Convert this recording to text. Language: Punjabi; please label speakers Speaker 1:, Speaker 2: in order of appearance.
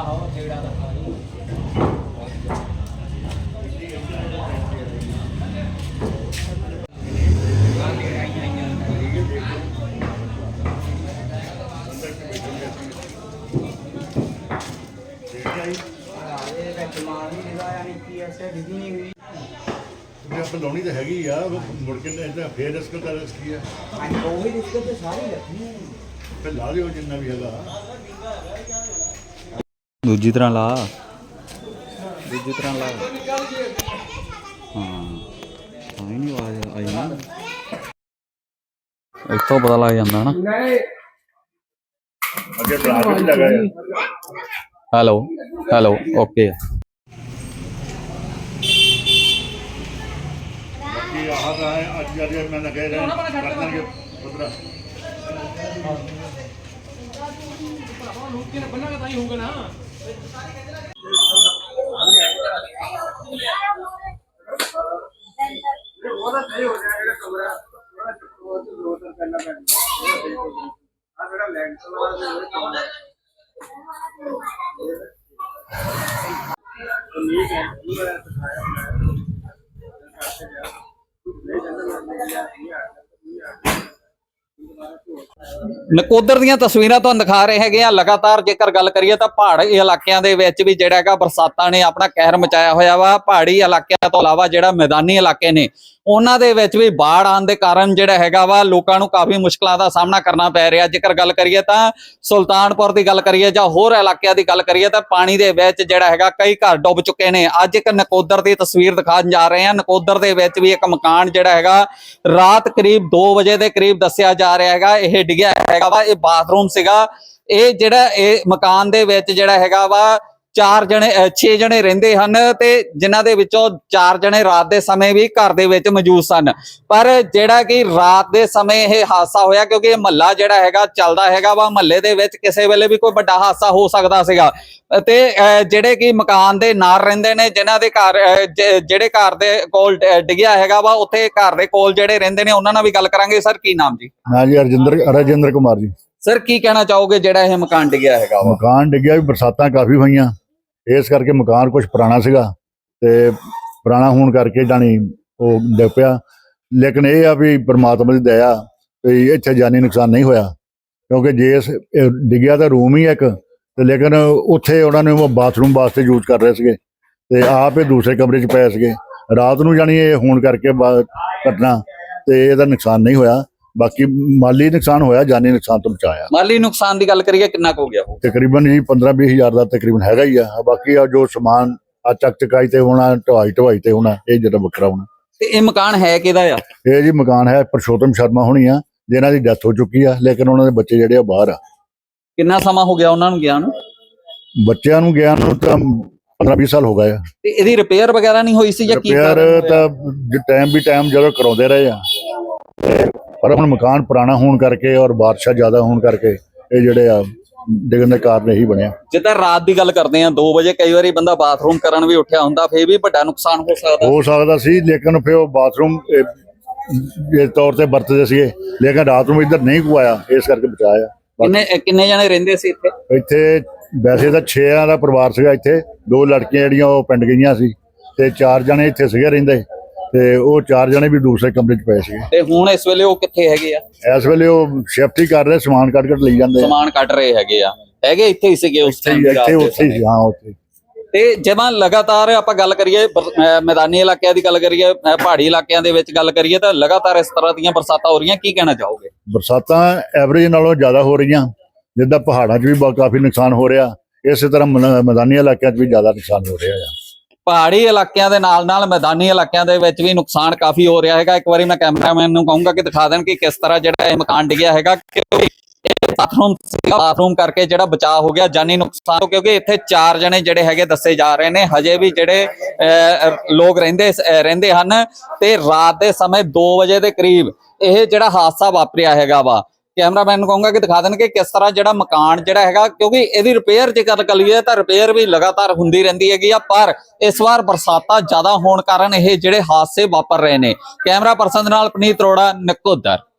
Speaker 1: ਲਾਉਣੀ ਤਾਂ ਹੈਗੀ ਆ ਮੁੜ ਕੇ ਫੇਰ ਰਿਸਕ ਦਾ ਰਿਸਕ ਕੀ ਆ
Speaker 2: ਉਹੀ ਰਿਸਕ ਤੇ ਸਾਰੀ ਰੱਖਣੀ
Speaker 1: ਫਿਰ ਲਾ ਦਿਓ ਜਿੰਨਾ ਵੀ ਹੈਗਾ
Speaker 3: ਦੂਜੀ ਤਰ੍ਹਾਂ ਲਾ ਹਾਂ ਆਈ ਨਹੀਂ ਆਵਾਜ਼ ਆਈ ਨਾ ਇੱਥੋਂ ਪਤਾ ਲੱਗ ਜਾਂਦਾ ਨਾ
Speaker 1: ਅੱਗੇ ਟ੍ਰੈਫਿਕ ਲੱਗਾ ਹੈ
Speaker 3: ਹੈਲੋ ਓਕੇ
Speaker 1: ਬਾਕੀ ਆਹ ਤਾਂ ਅੱਜ ਜਿਹੜੇ ਮੈਂ ਕਹਿ ਰਿਹਾ ਕਰਨਗੇ ਪੁੱਤਰਾ
Speaker 3: ਨਕੋਦਰ ਦੀਆਂ ਤਸਵੀਰਾਂ ਤੁਹਾਨੂੰ ਦਿਖਾ ਰਹੇ ਹੈਗੇ ਆ। ਲਗਾਤਾਰ ਜੇਕਰ ਗੱਲ ਕਰੀਏ ਤਾਂ ਪਹਾੜੀ ਇਲਾਕਿਆਂ ਦੇ ਵਿੱਚ ਵੀ ਜਿਹੜਾ ਹੈਗਾ ਬਰਸਾਤਾਂ ਨੇ ਆਪਣਾ ਕਹਿਰ ਮਚਾਇਆ ਹੋਇਆ ਵਾ। ਪਹਾੜੀ ਇਲਾਕਿਆਂ ਤੋਂ ਇਲਾਵਾ ਜਿਹੜਾ ਮੈਦਾਨੀ ਇਲਾਕੇ ਨੇ ਉਹਨਾਂ ਦੇ ਵਿੱਚ ਵੀ ਬਾੜ ਆਉਣ ਦੇ ਕਾਰਨ ਜਿਹੜਾ ਹੈਗਾ ਵਾ ਲੋਕਾਂ ਨੂੰ ਕਾਫੀ ਮੁਸ਼ਕਲਾਂ ਦਾ ਸਾਹਮਣਾ ਕਰਨਾ ਪੈ ਰਿਹਾ। ਜੇਕਰ ਗੱਲ ਕਰੀਏ ਤਾਂ ਸੁਲਤਾਨਪੁਰ ਦੀ ਗੱਲ ਕਰੀਏ ਜਾਂ ਹੋਰ ਇਲਾਕਿਆਂ ਦੀ ਗੱਲ ਕਰੀਏ ਤਾਂ ਪਾਣੀ ਦੇ ਵਿੱਚ ਜਿਹੜਾ ਹੈਗਾ ਕਈ ਘਰ ਡੁੱਬ ਚੁੱਕੇ ਨੇ। ਅੱਜ ਇੱਕ ਨਕੋਦਰ ਦੀ ਤਸਵੀਰ ਦਿਖਾਉਣ ਜਾ ਰਹੇ ਹਾਂ। ਨਕੋਦਰ ਦੇ ਵਿੱਚ ਵੀ ਇੱਕ ਮਕਾਨ ਜਿਹੜਾ ਹੈਗਾ ਰਾਤ ਕਰੀਬ 2 ਵਜੇ ਦੇ ਕਰੀਬ ਦੱਸਿਆ ਜਾ ਰਿਹਾ ਹੈਗਾ ਇਹ ਡਿੱਗਿਆ ਹੈਗਾ ਵਾ। ਇਹ ਬਾਥਰੂਮ ਸੀਗਾ। ਇਹ ਜਿਹੜਾ ਇਹ ਮਕਾਨ ਦੇ ਵਿੱਚ ਜਿਹੜਾ ਹੈਗਾ ਵਾ 6 ਜਣੇ ਰਹਿੰਦੇ ਹਨ ਤੇ ਜਿਨ੍ਹਾਂ ਦੇ ਵਿੱਚੋਂ 4 ਜਣੇ ਰਾਤ ਦੇ ਸਮੇਂ ਵੀ ਘਰ ਦੇ ਵਿੱਚ ਮੌਜੂਦ ਸਨ। ਪਰ ਜਿਹੜਾ ਕਿ ਰਾਤ ਦੇ ਸਮੇਂ ਇਹ ਹਾਦਸਾ ਹੋਇਆ ਕਿਉਂਕਿ ਇਹ ਮਹੱਲਾ ਜਿਹੜਾ ਹੈਗਾ ਚੱਲਦਾ ਹੈਗਾ ਵਾ। ਮਹੱਲੇ ਦੇ ਵਿੱਚ ਕਿਸੇ ਵੇਲੇ ਵੀ ਕੋਈ ਵੱਡਾ ਹਾਦਸਾ ਹੋ ਸਕਦਾ ਸੀਗਾ ਤੇ ਜਿਹੜੇ ਕਿ ਮਕਾਨ ਦੇ ਨਾਲ ਰਹਿੰਦੇ ਨੇ ਜਿਨ੍ਹਾਂ ਦੇ ਘਰ ਜਿਹੜੇ ਘਰ ਦੇ ਕੋਲ ਡਿੱਗਿਆ ਹੈਗਾ ਵਾ ਉੱਥੇ ਘਰ ਦੇ ਕੋਲ ਜਿਹੜੇ ਰਹਿੰਦੇ ਨੇ ਉਹਨਾਂ ਨਾਲ ਵੀ ਗੱਲ ਕਰਾਂਗੇ। ਸਰ ਕੀ ਨਾਮ ਜੀ?
Speaker 1: ਹਾਂ ਜੀ ਰਜਿੰਦਰ ਕੁਮਾਰ ਜੀ।
Speaker 3: ਸਰ ਕੀ ਕਹਿਣਾ ਚਾਹੋਗੇ ਜਿਹੜਾ ਇਹ ਮਕਾਨ ਡਿੱਗਿਆ ਹੈਗਾ ਵਾ?
Speaker 1: ਮਕਾਨ ਡਿੱਗਿਆ ਵੀ ਬਰਸਾਤਾਂ ਕਾਫੀ ਹੋਈਆਂ ਇਸ ਕਰਕੇ ਮਕਾਨ ਕੁਝ ਪੁਰਾਣਾ ਸੀਗਾ ਤੇ ਪੁਰਾਣਾ ਹੋਣ ਕਰਕੇ ਜਾਣੀ ਉਹ ਡਿੱਗ ਪਿਆ। ਲੇਕਿਨ ਇਹ ਆ ਵੀ ਪ੍ਰਮਾਤਮਾ ਦੀ ਦਇਆ ਵੀ ਇੱਥੇ ਜਾਨੀ ਨੁਕਸਾਨ ਨਹੀਂ ਹੋਇਆ ਕਿਉਂਕਿ ਜੇ ਡਿੱਗਿਆ ਤਾਂ ਰੂਮ ਹੀ ਇੱਕ ਤੇ ਲੇਕਿਨ ਉੱਥੇ ਉਹਨਾਂ ਨੇ ਉਹ ਬਾਥਰੂਮ ਵਾਸਤੇ ਯੂਜ਼ ਕਰ ਰਹੇ ਸੀਗੇ ਤੇ ਆਪ ਇਹ ਦੂਸਰੇ ਕਮਰੇ 'ਚ ਪਏ ਸੀਗੇ। ਰਾਤ ਨੂੰ ਜਾਣੀ ਇਹ ਹੋਣ ਕਰਕੇ ਘਟਨਾ ਤੇ ਇਹਦਾ ਨੁਕਸਾਨ ਨਹੀਂ ਹੋਇਆ। ਬਾਕੀ ਮਾਲੀ ਨੁਕਸਾਨ ਹੋਇਆ, ਜਾਨੀ ਨੁਕਸਾਨ ਤੋਂ ਬਚਾਇਆ।
Speaker 3: ਮਾਲੀ ਨੁਕਸਾਨ ਦੀ ਗੱਲ ਕਰੀਏ ਕਿੰਨਾ ਕੁ ਹੋ ਗਿਆ?
Speaker 1: ਤਕਰੀਬਨ ਜੀ 15-20 ਹਜ਼ਾਰ ਦਾ ਤਕਰੀਬਨ ਹੈਗਾ ਹੀ ਆ। ਬਾਕੀ ਆ ਜੋ ਸਮਾਨ ਆ ਚੱਕ ਚਕਾਈ ਤੇ ਹੋਣਾ, ਢਵਾਈ ਤੇ ਹੋਣਾ, ਇਹ ਜਿਹੜਾ ਵੱਖਰਾ ਹੋਣਾ।
Speaker 3: ਤੇ ਇਹ ਮਕਾਨ ਹੈ ਕਿਹਦਾ ਆ?
Speaker 1: ਇਹ ਜੀ ਮਕਾਨ ਹੈ ਪਰਸ਼ੋਤਮ ਸ਼ਰਮਾ ਹੋਣੀ ਆ ਜਿਨ੍ਹਾਂ ਦੀ ਡੈਥ ਹੋ ਚੁੱਕੀ ਆ ਲੇਕਿਨ ਉਹਨਾਂ ਦੇ ਬੱਚੇ ਜਿਹੜੇ ਆ ਬਾਹਰ ਆ।
Speaker 3: ਕਿੰਨਾ ਸਮਾਂ ਹੋ ਗਿਆ ਉਹਨਾਂ ਨੂੰ ਗਿਆ ਨੂੰ?
Speaker 1: ਬੱਚਿਆਂ ਨੂੰ ਗਿਆ ਨੂੰ ਤਾਂ 15-20 ਸਾਲ ਹੋ ਗਏ ਆ।
Speaker 3: ਤੇ ਇਹਦੀ ਰਿਪੇਅਰ ਵਗੈਰਾ ਨਹੀਂ ਹੋਈ ਸੀ ਜਾਂ ਕੀ?
Speaker 1: ਰਿਪੇਅਰ ਤਾਂ ਟਾਈਮ ਜਦੋਂ ਕਰਾਉਂਦੇ ਰਹੇ ਆ ਪਰ ਹੁਣ ਮਕਾਨ ਪੁਰਾਣਾ ਹੋਣ ਕਰਕੇ ਔਰ ਬਾਰਿਸ਼ਾਂ ਜ਼ਿਆਦਾ ਹੋਣ ਕਰਕੇ ਇਹ ਜਿਹੜੇ ਆ ਡਿੱਗਣ ਦੇ ਕਾਰਨ ਇਹੀ ਬਣਿਆ।
Speaker 3: ਜਿੱਦਾਂ ਰਾਤ ਦੀ ਗੱਲ ਕਰਦੇ ਆ 2 ਵਜੇ ਕਈ ਵਾਰੀ ਬੰਦਾ ਬਾਥਰੂਮ ਕਰਨ ਵੀ ਉੱਠਿਆ ਹੁੰਦਾ ਫੇਰ ਵੀ ਵੱਡਾ ਨੁਕਸਾਨ ਹੋ
Speaker 1: ਸਕਦਾ ਸੀ ਲੇਕਿਨ ਫਿਰ ਉਹ ਬਾਥਰੂਮ ਇਸ ਤੌਰ ਤੇ ਵਰਤਦੇ ਸੀਗੇ ਲੇਕਿਨ ਰਾਤ ਨੂੰ ਇੱਧਰ ਨਹੀਂ ਕੁਆਇਆ ਇਸ ਕਰਕੇ ਬਚਾਇਆ।
Speaker 3: ਕਿੰਨੇ ਜਣੇ ਰਹਿੰਦੇ ਸੀ
Speaker 1: ਇੱਥੇ? ਵੈਸੇ ਤਾਂ 6 ਦਾ ਪਰਿਵਾਰ ਸੀਗਾ। ਇੱਥੇ 2 ਲੜਕੀਆਂ ਜਿਹੜੀਆਂ ਉਹ ਪਿੰਡ ਗਈਆਂ ਸੀ ਤੇ 4 ਜਣੇ ਇੱਥੇ ਸੀਗੇ ਰਹਿੰਦੇ ਤੇ ਉਹ 4 ਜਣੇ ਵੀ ਦੂਸਰੇ ਕਮਰੇ 'ਚ ਪਏ ਸੀਗੇ।
Speaker 3: ਤੇ ਹੁਣ ਇਸ ਵੇਲੇ ਉਹ ਕਿੱਥੇ ਹੈਗੇ ਆ?
Speaker 1: ਇਸ ਵੇਲੇ ਉਹ ਸ਼ਿਫਟ ਹੀ ਕਰ ਰਹੇ, ਸਮਾਨ ਕੱਢ ਲਈ ਜਾਂਦੇ।
Speaker 3: ਸਮਾਨ ਕੱਢ ਰਹੇ ਹੈਗੇ ਆ? ਹੈਗੇ ਇੱਥੇ ਹੀ ਸੀਗੇ ਉਸ ਟਾਈਮ?
Speaker 1: ਉੱਥੇ ਹੀ ਹਾਂ ਉੱਥੇ।
Speaker 3: ਤੇ ਜਿਵੇਂ ਲਗਾਤਾਰ ਆਪਾਂ ਗੱਲ ਕਰੀਏ ਮੈਦਾਨੀ ਇਲਾਕਿਆਂ ਦੀ ਗੱਲ ਕਰੀਏ ਪਹਾੜੀ ਇਲਾਕਿਆਂ ਦੇ ਵਿੱਚ ਗੱਲ ਕਰੀਏ ਤਾਂ ਲਗਾਤਾਰ ਇਸ ਤਰ੍ਹਾਂ ਦੀਆਂ ਬਰਸਾਤਾਂ ਹੋ ਰਹੀਆਂ। ਕੀ ਕਹਿਣਾ ਚਾਹੋਗੇ?
Speaker 1: ਬਰਸਾਤਾਂ ਐਵਰੇਜ ਨਾਲੋਂ ਜ਼ਿਆਦਾ ਹੋ ਰਹੀਆਂ। ਜਿੱਦਾਂ ਪਹਾੜਾਂ 'ਚ ਵੀ ਕਾਫੀ ਨੁਕਸਾਨ ਹੋ ਰਿਹਾ ਇਸੇ ਤਰ੍ਹਾਂ ਮੈਦਾਨੀ ਇਲਾਕਿਆਂ 'ਚ ਵੀ ਜ਼ਿਆਦਾ ਨੁਕਸਾਨ ਹੋ ਰਿਹਾ ਆ। ਪਹਾੜੀ
Speaker 3: ਇਲਾਕਿਆਂ ਦੇ ਨਾਲ ਮੈਦਾਨੀ ਇਲਾਕਿਆਂ ਦੇ ਵਿੱਚ ਵੀ ਨੁਕਸਾਨ ਕਾਫੀ ਹੋ ਰਿਹਾ ਹੈਗਾ। ਇੱਕ ਵਾਰੀ ਮੈਂ ਕੈਮਰਾਮੈਨ ਨੂੰ ਕਹੂੰਗਾ ਕਿ ਦਿਖਾ ਦੇਣ ਕਿ ਕਿਸ ਤਰ੍ਹਾਂ ਜਿਹੜਾ ਇਹ ਮਕਾਨ ਡਿੱਗਿਆ ਹੈਗਾ। ਬਾਥਰੂਮ ਕਰਕੇ ਜਿਹੜਾ ਬਚਾਅ ਹੋ ਗਿਆ ਜਾਨੀ ਨੁਕਸਾਨ ਕਿਉਂਕਿ ਇੱਥੇ 4 ਜਣੇ ਜਿਹੜੇ ਹੈਗੇ ਦੱਸੇ ਜਾ ਰਹੇ ਨੇ। ਹਜੇ ਵੀ ਜਿਹੜੇ ਲੋਕ ਰਹਿੰਦੇ ਹਨ ਤੇ ਰਾਤ ਦੇ ਸਮੇਂ 2 ਵਜੇ ਦੇ ਕਰੀਬ ਇਹ ਜਿਹੜਾ ਹਾਦਸਾ ਵਾਪਰਿਆ ਹੈਗਾ ਵਾ। ਕੈਮਰਾਮੈਨ ਨੂੰ ਕਹੂੰਗਾ ਕਿ ਦਿਖਾ ਦੇਣ ਕਿ ਕਿਸ ਤਰ੍ਹਾਂ ਜਿਹੜਾ ਮਕਾਨ ਜਿਹੜਾ ਹੈਗਾ ਕਿਉਂਕਿ ਇਹਦੀ ਰਿਪੇਅਰ ਜੇ ਗੱਲ ਕਰੀਏ ਤਾਂ ਰਿਪੇਅਰ ਵੀ ਲਗਾਤਾਰ ਹੁੰਦੀ ਰਹਿੰਦੀ ਹੈਗੀ ਆ ਪਰ ਇਸ ਵਾਰ ਬਰਸਾਤਾਂ ਜ਼ਿਆਦਾ ਹੋਣ ਕਾਰਨ ਇਹ ਜਿਹੜੇ ਹਾਦਸੇ ਵਾਪਰ ਰਹੇ ਨੇ। ਕੈਮਰਾ ਪਰਸਨ ਨਾਲ ਪਨੀਤ ਅਰੋੜਾ, ਨਕੋਦਰ।